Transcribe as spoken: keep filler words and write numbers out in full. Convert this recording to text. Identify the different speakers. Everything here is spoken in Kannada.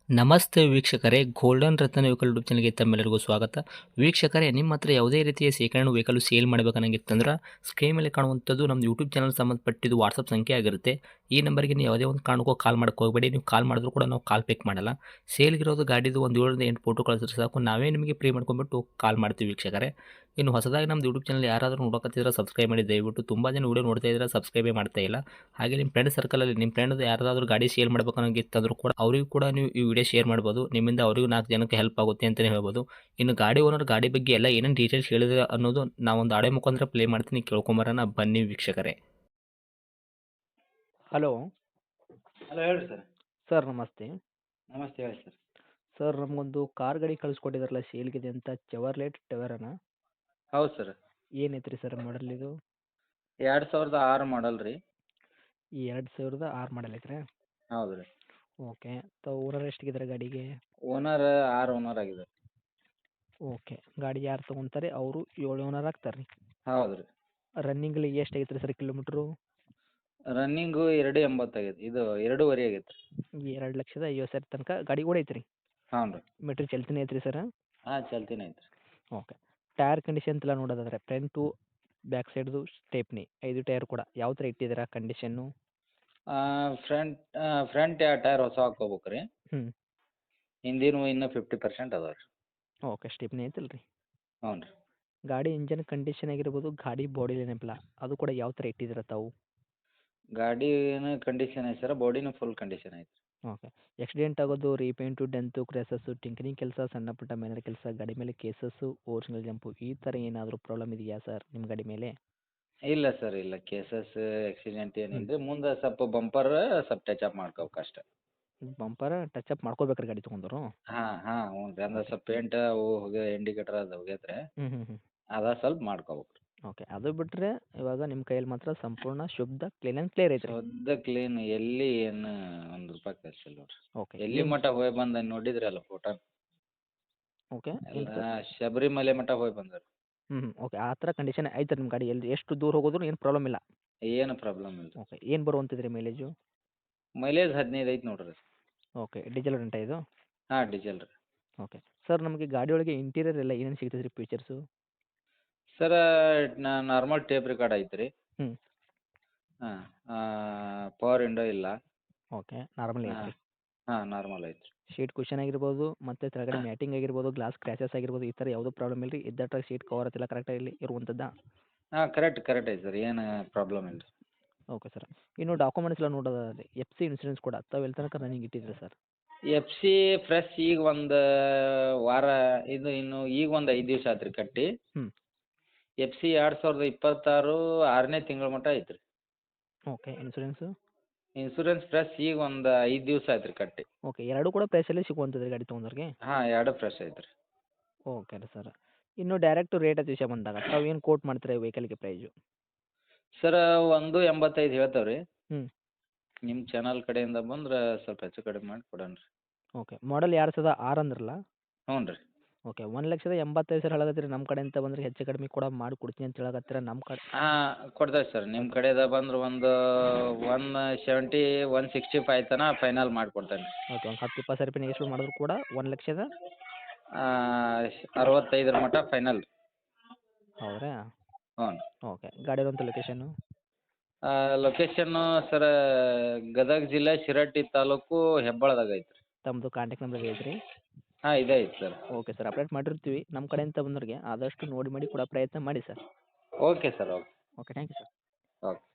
Speaker 1: ನಮಸ್ತೆ ವೀಕ್ಷಕರೇ, ಗೋಲ್ಡನ್ ರತ್ನ ವೆಹಿಕಲ್ ಯೂಟ್ಯೂಬ್ ಚಾನಲ್ಗೆ ತಮ್ಮೆಲ್ಲರಿಗೂ ಸ್ವಾಗತ. ವೀಕ್ಷಕರೇ, ನಿಮ್ಮ ಹತ್ರ ಯಾವುದೇ ರೀತಿಯ ಶೇಖರಣೆ ವೆಹಿಕಲ್ ಸೇಲ್ ಮಾಡಬೇಕನ್ನಂಗಿತ್ತಂದ್ರೆ ಸ್ಕ್ರೀನ್ ಮೇಲೆ ಕಾಣುವಂಥದ್ದು ನಮ್ಮ ಯೂಟ್ಯೂಬ್ ಚಾನಲ್ ಸಂಬಂಧಪಟ್ಟಿದ್ದು ವಾಟ್ಸಪ್ ಸಂಖ್ಯೆ ಆಗಿರುತ್ತೆ. ಈ ನಂಬರ್ಗೆ ನೀವು ಯಾವುದೇ ಒಂದು ಕಾರಣಕ್ಕೂ ಕಾಲ್ ಮಾಡಕ್ಕೆ ಹೋಗಬೇಡಿ. ನೀವು ಕಾಲ್ ಮಾಡಿದ್ರು ಕೂಡ ನಾವು ಕಾಲ್ ಪಿಕ್ ಮಾಡಲ್ಲ. ಸೇಲ್ಗಿರೋದು ಗಾಡಿದು ಒಂದು ಏಳರಿಂದ ಎಂಟು ಫೋಟೋ ಕಳಿಸಿದ್ರೆ ಸಾಕು, ನಾವೇ ನಿಮಗೆ ಪ್ರೀ ಮಾಡ್ಕೊಂಡ್ಬಿಟ್ಟು ಕಾಲ್ ಮಾಡ್ತೀವಿ ವೀಕ್ಷಕರೇ. ಇನ್ನು ಹೊಸದಾಗಿ ನಮ್ಮದು ಯೂಟ್ಯೂಬ್ ಚಾನಲ್ ಯಾರಾದರೂ ನೋಡೋಕತ್ತಿದ್ರೆ ಸಬ್ಸ್ಕ್ರೈಬ್ ಮಾಡಿ ದಯವಿಟ್ಟು. ತುಂಬ ಜನ ವೀಡಿಯೋ ನೋಡ್ತಾ ಇದ್ದಾರೆ, ಸಬ್ಸ್ಕ್ರೈಬೇ ಮಾಡ್ತಾ ಇಲ್ಲ. ಹಾಗೆ ನಿಮ್ಮ ಫ್ರೆಂಡ್ ಸರ್ಕಲಲ್ಲಿ ನಿಮ್ಮ ಫ್ರೆಂಡ್ ಯಾರಾದರೂ ಗಾಡಿ ಸೇಲ್ ಮಾಡ್ಬೇಕನ್ನೋಂಗಿತ್ತಂದ್ರೂ ಕೂಡ ಅವರಿಗೂ ಕೂಡ ನೀವು ಈ ವಿಡಿಯೋ ಶೇರ್ ಮಾಡ್ಬೋದು. ನಿಮ್ಮಿಂದ ಅವರಿಗೂ ನಾಲ್ಕು ಜನಕ್ಕೆ ಹೆಲ್ಪ್ ಆಗುತ್ತೆ ಅಂತಲೇ ಹೇಳ್ಬೋದು. ಇನ್ನು ಗಾಡಿ ಓನರ್ ಗಾಡಿ ಬಗ್ಗೆ ಎಲ್ಲ ಏನೇನು ಡೀಟೇಲ್ಸ್ ಹೇಳಿದ್ರೆ ಅನ್ನೋದು ನಾವೊಂದು ಆಡಿಯೋ ಮುಖಾಂತರ ಪ್ಲೇ ಮಾಡ್ತೀನಿ, ಕೇಳ್ಕೊಂಬರೋಣ ಬನ್ನಿ ವೀಕ್ಷಕರೇ.
Speaker 2: ಹಲೋ
Speaker 3: ಹಲೋ ಹೇಳ್ರಿ ಸರ್.
Speaker 2: ಸರ್ ನಮಸ್ತೆ.
Speaker 3: ನಮಸ್ತೆ ಹೇಳಿ ಸರ್.
Speaker 2: ಸರ್ ನಮಗೊಂದು ಕಾರ್ ಗಾಡಿ ಕಳಿಸ್ಕೊಟ್ಟಿದ್ರಲ್ಲ ಸೇಲ್ಗಿದೆ ಅಂತ, ಚೆವರ್ಲೆಟ್ ಟವೆರಾನ.
Speaker 3: ಹೌದು ಸರ್.
Speaker 2: ಏನೈತೆ ರೀ ಸರ್ ಮಾಡಲ್ ಇದು?
Speaker 3: ಎರಡು ಸಾವಿರದ ಆರು ಮಾಡಲ್ ರೀ.
Speaker 2: ಎರಡು ಸಾವಿರದ ಆರು ಮಾಡಲ್ ಐತ್ರಿ?
Speaker 3: ಹೌದು ರೀ.
Speaker 2: ಓಕೆ. ತಾವು ಓನರ್ ಎಷ್ಟಿದ್ದಾರೆ ಗಾಡಿಗೆ?
Speaker 3: ಓನರ್ ಆರು ಓನರ್ ಆಗಿದೆ.
Speaker 2: ಓಕೆ. ಗಾಡಿ ಯಾರು ತೊಗೊತಾರೆ ಅವರು ಏಳು ಓನರ್ ಆಗ್ತಾರೆ ರೀ?
Speaker 3: ಹೌದು ರೀ.
Speaker 2: ರನ್ನಿಂಗಲ್ಲಿ ಎಷ್ಟು ಆಗೈತೆ ರೀ ಸರ್ ಕಿಲೋಮೀಟ್ರು?
Speaker 3: ರನ್ನಿಂಗು ಎರಡು ಎಂಬತ್ತಾಗೈತೆ, ಇದು ಎರಡೂವರೆ ಆಗೈತೆ ರೀ.
Speaker 2: ಎರಡು ಲಕ್ಷದ ಐವತ್ತು ಸಾವಿರ ತನಕ ಗಾಡಿ ಕೂಡ ಐತೆ ರೀ?
Speaker 3: ಹ್ಞೂ ರೀ.
Speaker 2: ಮೀಟ್ರ್ ಚಲ್ತಿನೇ ಐತೆ ರೀ ಸರ್?
Speaker 3: ಹಾಂ ಚಲ್ತಿನೇ ಐತೆ ರೀ.
Speaker 2: ಓಕೆ. ಟೈರ್ ಕಂಡೀಷನ್ ಎಲ್ಲ ನೋಡೋದಾದ್ರೆ ಫ್ರಂಟು ಬ್ಯಾಕ್ ಸೈಡ್ದು ಸ್ಟೇಪ್ನಿ ಐದು ಟೈರ್ ಕೂಡ ಯಾವ ಥರ ಇಟ್ಟಿದ್ದೀರಾ ಕಂಡೀಷನ್ನು?
Speaker 3: ಫ್ರಂಟ್ ಫ್ರಂಟ್ ಎರಡು ಟೈರ್ ಹೊಸ ಹಾಕ್ಕೋಬೇಕು ರೀ.
Speaker 2: ಹ್ಞೂ.
Speaker 3: ಹಿಂದಿನವು ಇನ್ನೂ ಫಿಫ್ಟಿ ಪರ್ಸೆಂಟ್ ಅದಾವೆ ರೀ.
Speaker 2: ಓಕೆ. ಸ್ಟೆಪ್ನಿ ಐತಲ್ಲ ರೀ?
Speaker 3: ಹ್ಞೂ ರೀ.
Speaker 2: ಗಾಡಿ ಇಂಜನ್ ಕಂಡೀಷನ್ ಆಗಿರ್ಬೋದು, ಗಾಡಿ ಬಾಡಿ ಏನಪ್ಪಲ್ಲ ಅದು ಕೂಡ ಯಾವ ಥರ ಇಟ್ಟಿದ್ದೀರ ತಾವು?
Speaker 3: ಗಾಡಿನೂ ಕಂಡೀಷನ್ ಐತೆ ಸರ್, ಬಾಡಿನೂ ಫುಲ್ ಕಂಡೀಷನ್ ಐತೆ ರೀ.
Speaker 2: ಓಕೆ. ಆಕ್ಸಿಡೆಂಟ್ ಆಗೋದು, ರೀಪೇಂಟು, ಡೆಂತು, ಕ್ರ್ಯಾಸಸ್ಸು, ಟಿಂಕರಿಂಗ್ ಕೆಲಸ, ಸಣ್ಣ ಪುಟ್ಟ ಮೇನರ್ ಕೆಲಸ, ಗಾಡಿ ಮೇಲೆ ಕೇಸಸ್ಸು, ಓರಿಜಿನಲ್ ಜಂಪು ಈ ಥರ ಏನಾದರೂ ಪ್ರಾಬ್ಲಮ್ ಇದೆಯಾ ಸರ್ ನಿಮ್ಮ ಗಾಡಿ ಮೇಲೆ?
Speaker 3: ಇಲ್ಲ ಸರ್, ಇಲ್ಲ ಕೇಸಸ್ ಆಕ್ಸಿಡೆಂಟ್ ಏನಿಲ್ಲ ರೀ. ಮುಂದೆ ಸ್ವಲ್ಪ ಬಂಪರ್ ಸ್ವಲ್ಪ ಟಚ್ ಅಪ್ ಮಾಡ್ಕೋಬೇಕು ಅಷ್ಟೇ.
Speaker 2: ಬಂಪರ್ ಟಚ್ ಅಪ್ ಮಾಡ್ಕೋಬೇಕ್ರಿ ಗಾಡಿ ತೊಗೊಂಡರು?
Speaker 3: ಹಾಂ ಹಾಂ ಹ್ಞೂ ರೀ. ಅಂದ್ರೆ ಸ್ವಲ್ಪ ಪೇಂಟ್ ಅವು ಹೋಗಿ ಇಂಡಿಕೇಟರ್ ಅದು ಹೋಗೈತೆ ರೀ.
Speaker 2: ಹ್ಞೂ ಹ್ಞೂ ಹ್ಞೂ.
Speaker 3: ಅದ ಸ್ವಲ್ಪ ಮಾಡ್ಕೋಬೇಕು ರೀ.
Speaker 2: ಓಕೆ. ಅದು ಬಿಟ್ಟರೆ ಇವಾಗ ನಿಮ್ಮ ಕೈಯಲ್ಲಿ ಮಾತ್ರ ಸಂಪೂರ್ಣ ಶುದ್ಧ ಕ್ಲೀನ್ ಆ್ಯಂಡ್ ಕ್ಲಿಯರ್ ಐತ್ರಿ?
Speaker 3: ಶುದ್ಧ ಕ್ಲೀನ್, ಎಲ್ಲಿ ಏನು ಒಂದು ರೂಪಾಯಿ ಖರ್ಚು ಇಲ್ಲ ನೋಡ್ರಿ.
Speaker 2: ಓಕೆ.
Speaker 3: ಎಲ್ಲಿ ಮಟ್ಟ ಹೋಗಿ ಬಂದ ನೋಡಿದ್ರಲ್ಲ ಫೋಟೋ,
Speaker 2: ಓಕೆ. ಏನು
Speaker 3: ಎಲ್ಲ
Speaker 2: ಸರ್?
Speaker 3: ಶಬರಿಮಲೆ ಮಟ್ಟ ಹೋಗಿ ಬಂದಾರ.
Speaker 2: ಹ್ಞೂ ಹ್ಞೂ. ಓಕೆ. ಆ ಥರ ಕಂಡೀಷನ್ ಐತೆ ನಿಮ್ಮ ಗಾಡಿ, ಎಲ್ಲಿ ಎಷ್ಟು ದೂರ ಹೋಗೋದ್ರು ಏನು ಪ್ರಾಬ್ಲಮ್ ಇಲ್ಲ?
Speaker 3: ಏನು ಪ್ರಾಬ್ಲಮ್ ಇಲ್ಲ ರೀ.
Speaker 2: ಓಕೆ. ಏನು ಬರುವಂತಿದ್ರಿ ಮೈಲೇಜು?
Speaker 3: ಮೈಲೇಜ್ ಹದಿನೈದು ಐತೆ ನೋಡ್ರಿ.
Speaker 2: ಓಕೆ. ಡೀಸೆಲ್ ರೆಂಟ ಇದು?
Speaker 3: ಹಾಂ ಡೀಸೆಲ್ ರೀ.
Speaker 2: ಓಕೆ. ಸರ್ ನಮಗೆ ಗಾಡಿ ಒಳಗೆ ಇಂಟೀರಿಯರ್ ಎಲ್ಲ ಏನೇನು ಸಿಗ್ತದೆ ರೀ ಫೀಚರ್ಸು?
Speaker 3: ಸರ ನಾರ್ಮಲ್ ಟೇಪ್ ರೆಕಾರ್ಡ್ ಐತೆ ರೀ.
Speaker 2: ಹ್ಞೂ.
Speaker 3: ಹಾಂ ಪವರ್ ವಿಂಡೋ ಇಲ್ಲ.
Speaker 2: ಓಕೆ. ನಾರ್ಮಲ್
Speaker 3: ಹಾಂ
Speaker 2: ಐತ್ರಿ?
Speaker 3: ಹಾಂ ನಾರ್ಮಲ್ ಐತೆ ರೀ.
Speaker 2: ಶೀಟ್ ಕುಷನ್ ಆಗಿರ್ಬೋದು, ಮತ್ತು ಕೆಳಗಡೆ ಮ್ಯಾಟಿಂಗ್ ಆಗಿರ್ಬೋದು, ಗ್ಲಾಸ್ ಕ್ರ್ಯಾಚಸ್ ಆಗಿರ್ಬೋದು, ಈ ಥರ ಯಾವುದೂ ಪ್ರಾಬ್ಲಮ್ ಇಲ್ಲ ರೀ? ಇದ್ದಟ್ಟಾಗ ಸೀಟ್ ಕವರ್ ಎಲ್ಲ ಕರೆಕ್ಟಾಗಿ ಇರುವಂಥದ್ದಾ?
Speaker 3: ಹಾಂ ಕರೆಕ್ಟ್ ಕರೆಕ್ಟ್ ಐತೆ ಸರ್, ಏನು ಪ್ರಾಬ್ಲಮ್ ಇಲ್ಲ ರೀ.
Speaker 2: Okay sir. ಇನ್ನು ಡಾಕ್ಯುಮೆಂಟ್ಸ್ ಎಲ್ಲ ನೋಡೋದಾದ್ರೆ ಎಫ್ ಸಿ ಇನ್ಸೂರೆನ್ಸ್ ಕೂಡ ತಾವು ಎಲ್ಲಿ ತನಕ ರನ್ನಿಂಗ್ ಇಟ್ಟಿದ್ದೀರಾ ಸರ್?
Speaker 3: ಎಫ್ ಸಿ ಫ್ರೆಶ್ ಈಗ ಒಂದು ವಾರ, ಇದು ಇನ್ನು ಈಗ ಒಂದು ಐದು ದಿವಸ ಆಯ್ತು ರೀ ಕಟ್ಟಿ.
Speaker 2: ಹ್ಞೂ.
Speaker 3: ಎಫ್ ಸಿ ಎರಡು ಸಾವಿರದ ಇಪ್ಪತ್ತಾರು ಆರನೇ ತಿಂಗಳ ಮಟ್ಟ ಐತೆ ರೀ.
Speaker 2: ಓಕೆ. ಇನ್ಸೂರೆನ್ಸು?
Speaker 3: ಇನ್ಸೂರೆನ್ಸ್ ಫ್ರೆಶ್ ಈಗ ಒಂದು ಐದು ದಿವಸ ಆಯ್ತು ರೀ ಕಟ್ಟಿ.
Speaker 2: ಓಕೆ. ಎರಡೂ ಕೂಡ ಪ್ರೈಸಲ್ಲಿ ಸಿಗುವಂಥದ್ದು ರೀ ಗಾಡಿ ತೊಗೊಂಡವ್ರಿಗೆ?
Speaker 3: ಹಾಂ ಎರಡು ಫ್ರೆಶ್ ಐತೆ ರೀ.
Speaker 2: ಓಕೆ ರೀ ಸರ್. ಇನ್ನು ಡೈರೆಕ್ಟ್ ರೇಟ್ ವಿಷಯ ಬಂದಾಗ ತಾವು ಏನು ಕೋಟ್ ಮಾಡ್ತೀರಾ ಈ ವೆಹಿಕಲ್ಗೆ ಪ್ರೈಸು?
Speaker 3: ಸರ ಒಂದು ಎಂಬತ್ತೈದು ಹೇಳ್ತೇವೆ ರೀ.
Speaker 2: ಹ್ಞೂ.
Speaker 3: ನಿಮ್ಮ ಚಾನಲ್ ಕಡೆಯಿಂದ ಬಂದ್ರೆ ಸ್ವಲ್ಪ ಹೆಚ್ಚು ಕಡಿಮೆ ಮಾಡಿ ಕೊಡೋಣ ರೀ.
Speaker 2: ಓಕೆ. ಮಾಡಲ್ ಎರಡು ಸಾವಿರದ ಆರು ಅಂದ್ರಲ್ಲ?
Speaker 3: ಹ್ಞೂ ರೀ.
Speaker 2: ಓಕೆ. ಒಂದು ಲಕ್ಷದ ಎಂಬತ್ತೈದು ಸಾವಿರ ಹೇಳಕತ್ತೀರಿ, ನಮ್ಮ ಕಡೆಯಿಂದ ಬಂದರೆ ಹೆಚ್ಚು ಕಡಿಮೆ ಕೂಡ ಮಾಡಿ ಕೊಡ್ತೀನಿ ಅಂತ ಹೇಳಕತ್ತೀರ. ನಮ್ಮ ಕಡೆ
Speaker 3: ಹಾಂ ಕೊಡ್ತೇವೆ ಸರ್. ನಿಮ್ಮ ಕಡೆಯಿಂದ ಬಂದ್ರೆ ಒಂದು one seventy one sixty five ತನಕ ಫೈನಲ್ ಮಾಡಿಕೊಡ್ತೇನೆ ರೀ.
Speaker 2: ಓಕೆ. ಒಂದು ಹತ್ತು ಇಪ್ಪತ್ತು ಸಾವಿರ ರೂಪಾಯಿ ನೆಗೆಶ್ಟ್ ಮಾಡಿದ್ರು ಕೂಡ ಒಂದು ಲಕ್ಷದ
Speaker 3: ಅರವತ್ತೈದರ ಮಟ್ಟ ಫೈನಲ್.
Speaker 2: ಹೌದ್ರಾ?
Speaker 3: ಹ್ಞೂ.
Speaker 2: ಓಕೆ. ಗಾಡಿ ಇರುವಂಥ ಲೊಕೇಶನ್ನು?
Speaker 3: ಲೊಕೇಶನ್ನು ಸರ ಗದಗ ಜಿಲ್ಲೆ ಶಿರಹಟ್ಟಿ ತಾಲೂಕು ಹೆಬ್ಬಾಳದಾಗ ಐತೆ ರೀ.
Speaker 2: ತಮ್ಮದು ಕಾಂಟ್ಯಾಕ್ಟ್ ನಂಬರ್ ಐತ್ರಿ?
Speaker 3: ಹಾಂ ಇದೇ ಐತೆ ಸರ್.
Speaker 2: Okay sir. ಅಪ್ಡೇಟ್ ಮಾಡಿರ್ತೀವಿ. ನಮ್ಮ ಕಡೆಯಿಂದ ಬಂದವ್ರಿಗೆ ಆದಷ್ಟು ನೋಡಿ ಮಾಡಿ ಕೊಡೋ ಪ್ರಯತ್ನ ಮಾಡಿ sir.
Speaker 3: Okay sir. Okay
Speaker 2: okay. Thank you sir.
Speaker 3: Okay.